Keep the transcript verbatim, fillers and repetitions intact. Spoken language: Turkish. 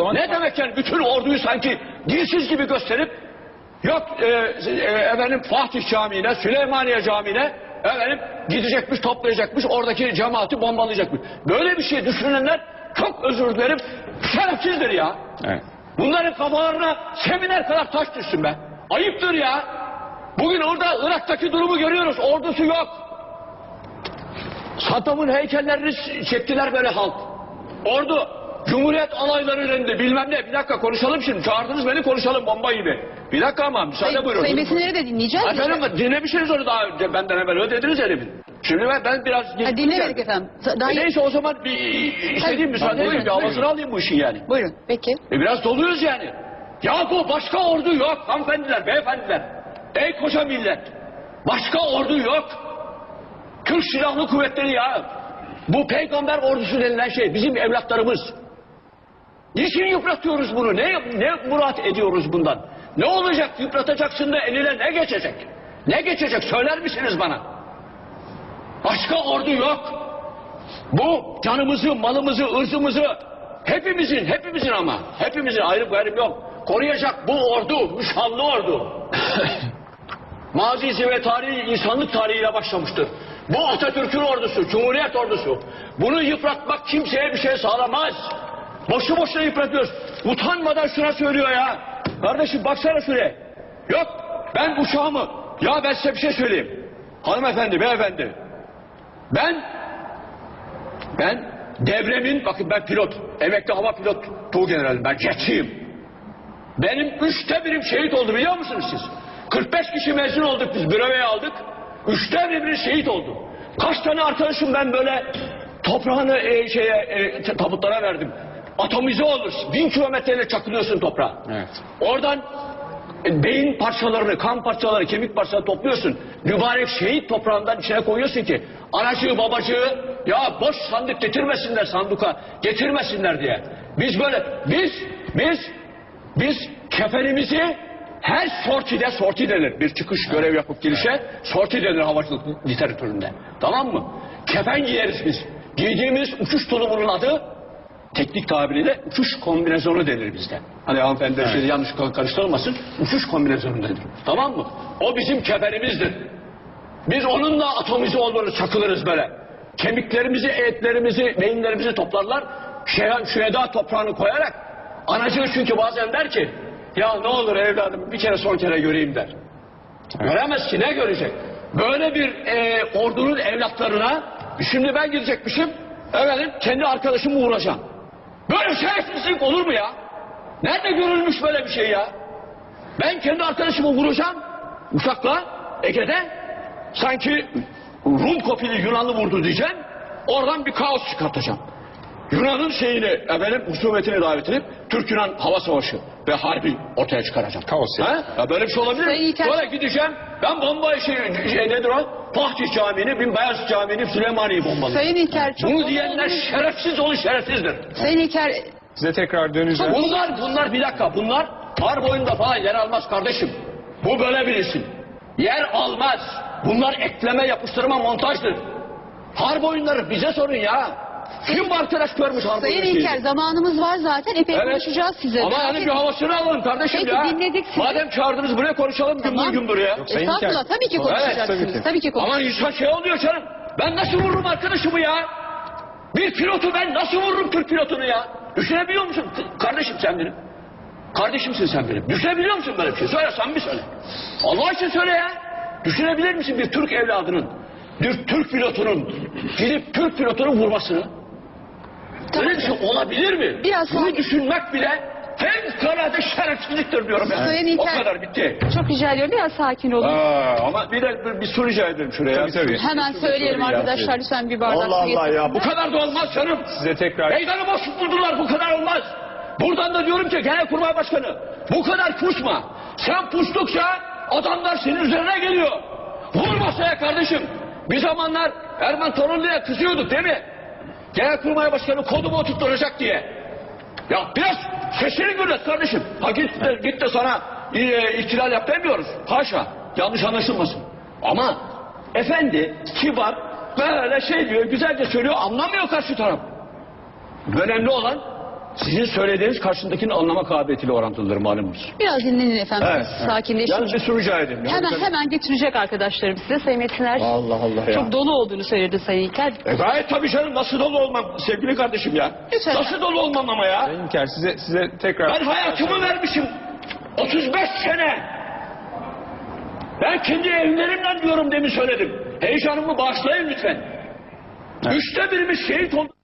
zaman... Ne demek yani bütün orduyu sanki dilsiz gibi gösterip yok e, e, efendim Fatih Camii'ne, Süleymaniye Camii'ne efendim gidecekmiş, toplayacakmış, oradaki cemaati bombalayacakmış. Böyle bir şey düşünenler çok özür dilerim şerefsizdir ya. Evet. Bunların kafalarına seminer kadar taş düşsün be. Ayıptır ya. Bugün orada Irak'taki durumu görüyoruz. Ordusu yok. Saddam'ın heykellerini çektiler böyle halk. Ordu, Cumhuriyet alayları indi bilmem ne. Bir dakika konuşalım şimdi. Çağırdınız beni konuşalım bomba gibi. Bir dakika ama müsaade Sayın, buyurun. Sayın Metinleri de dinleyeceğiz. Efendim dinlemişsiniz onu daha önce benden evvel öyle dediniz herifin. Şimdi ben, ben biraz... Ha, dinlemedik efendim. Daha... E neyse o zaman bir istediğim müsaade edin. Bir havasını alayım bu işin yani. Buyurun peki. E biraz doluyuz yani. Ya bu başka ordu yok hanımefendiler, beyefendiler. Ey koca millet. Başka ordu yok. Türk Silahlı Kuvvetleri ya. Bu peygamber ordusu denilen şey bizim evlatlarımız. Niçin yıpratıyoruz bunu? Ne, ne murat ediyoruz bundan? Ne olacak? Yıpratacaksın da eline ne geçecek? Ne geçecek? Söyler misiniz bana? Başka ordu yok. Bu canımızı, malımızı, ırzımızı hepimizin, hepimizin ama hepimizin ayrım gayrım yok. Koruyacak bu ordu, müşallı ordu. Mazisi ve tarihi insanlık tarihiyle başlamıştır. Bu Atatürk'ün ordusu, Cumhuriyet ordusu. Bunu yıpratmak kimseye bir şey sağlamaz. Boşu boşuna yıpratıyoruz. Utanmadan şuna söylüyor ya. Kardeşim baksana şuraya. Yok ben uçağımı. Ya ben size bir şey söyleyeyim. Hanımefendi, beyefendi. Ben ben devremin, bakın ben pilot. Emekli hava pilot tuğgeneralim. Ben jetçiyim. Benim üçte birim şehit oldu biliyor musunuz siz? kırk beş kişi mezun olduk biz, breveye aldık. Üçte biri şehit oldu. Kaç tane arkadaşım ben böyle toprağını e, şeye e, tabutlara verdim. Atomize olur. Bin kilometreyle çakılıyorsun toprağa. Evet. Oradan e, beyin parçalarını, kan parçaları, kemik parçaları topluyorsun. Mübarek şehit toprağından içine koyuyorsun ki anacığı babacığı ya boş sandık getirmesinler sanduka, getirmesinler diye. Biz böyle, biz, biz, biz kefenimizi her sortide, sorti denir. Bir çıkış görev yapıp girişe sorti denir havacılık literatüründe. Tamam mı? Kefen giyeriz biz. Giydiğimiz uçuş tulumunun adı teknik tabiriyle uçuş kombinezonu denir bizde. Hani hanımefendi evet. Şey yanlış karıştırılmasın. Uçuş kombinezonu denir. Tamam mı? O bizim kefenimizdir. Biz onunla atomize olduğunu çakılırız böyle. Kemiklerimizi, etlerimizi, beyinlerimizi toplarlar. Şüheda toprağını koyarak anacığı çünkü bazen der ki ya ne olur evladım bir kere son kere göreyim der. Evet. Göremez ki ne görecek? Böyle bir e, ordunun evlatlarına şimdi ben gidecekmişim efendim kendi arkadaşımı vuracağım. Böyle şerefsizlik olur mu ya? Nerede görülmüş böyle bir şey ya? Ben kendi arkadaşımı vuracağım uçakla Ege'de sanki Rum kopili Yunanlı vurdu diyeceğim. Oradan bir kaos çıkartacağım. Yunan'ın şeyini, efendim, husumetini davet edip Türk-Yunan hava savaşı ve harbi ortaya çıkaracağım. Kaos ya. Ya böyle bir şey olabilir mi? Sonra gideceğim, ben bomba şey, şey nedir o? Fatih Camii'ni, Binbeyaz Camii'ni, Süleymaniye'yi bombalayacağım. Sayın İlker çok... Bunu diyenler şerefsiz olur, şerefsizdir. Sayın İlker... Size tekrar döneceğim. Bunlar, bunlar bir dakika, bunlar harp oyunda falan yer almaz kardeşim. Bu böyle bilirsin. Yer almaz. Bunlar ekleme, yapıştırma, montajdır. Harp oyunları bize sorun ya. Kim bu arkadaş görmüş harp Sayın oyunu İlker zamanımız var zaten. Epey evet. Konuşacağız size. Ama hani bir havasını alalım kardeşim Peki, ya. dinledik sizi. Madem çağırdınız buraya konuşalım Tamam. gümbür gümbür ya. Yok, Sayın Estağfurullah İlker. tabii ki konuşacaksınız. Evet, tabii ki. Tabii ki Ama insan şey oluyor canım. Ben nasıl vururum arkadaşımı ya? Bir pilotu ben nasıl vururum Türk pilotunu ya? Düşünebiliyor musun kardeşim sen benim? Kardeşimsin sen benim. Düşünebiliyor musun böyle bir şey? Söyle sen bir söyle. Allah için söyle ya. Düşünebilir misin bir Türk evladının, bir Türk pilotunun gidip Türk pilotunu vurmasını? Tamam. Böyle bir şey olabilir mi? Biraz Bunu sonra... düşünmek bile fevkalade şerefsizliktir diyorum yani. Sayın İlker, o kadar bitti. Çok rica ediyorum biraz sakin olun. Aa, ama bir de bir, bir su rica ederim şuraya. Tabii tabii. Hemen söyleyelim arkadaşlar lütfen bir bardak Allah su Allah getirin. ya bu kadar da olmaz canım. Size tekrar... Meydanı boş buldular bu kadar olmaz. Buradan da diyorum ki Genelkurmay Başkanı bu kadar pusma. Sen pustukça adamlar senin üzerine geliyor. Vur masaya kardeşim. Bir zamanlar Erman Torunlu'ya kızıyorduk değil mi? Genelkurmay Başkanı kodumu oturtturacak diye. Ya biraz sesini gürlet kardeşim. Ha git de, git de sana e, ihtilal yap demiyoruz. Haşa. Yanlış anlaşılmasın. Ama efendi kibar böyle şey diyor güzelce söylüyor anlamıyor karşı taraf. Önemli olan sizin söylediğiniz karşındakinin anlama kabiliyetiyle orantılıdır malumunuz. Biraz dinlenin efendim. Evet. Sakinleşin. Yalnız bir soru rica edeyim. Hemen hemen getirecek arkadaşlarım size. Sayın Metiner Allah Allah ya. çok dolu olduğunu söyledi Sayın İlker. E gayet tabii canım, nasıl dolu olmam sevgili kardeşim ya. Lütfen. Nasıl dolu olmam ama ya. Sayın İlker size, size tekrar... Ben hayatımı vermişim. otuz beş sene. Ben kendi evlerimden diyorum, demin söyledim. Heyecanımı bağışlayın lütfen. Üçte birimiz şehit oldu.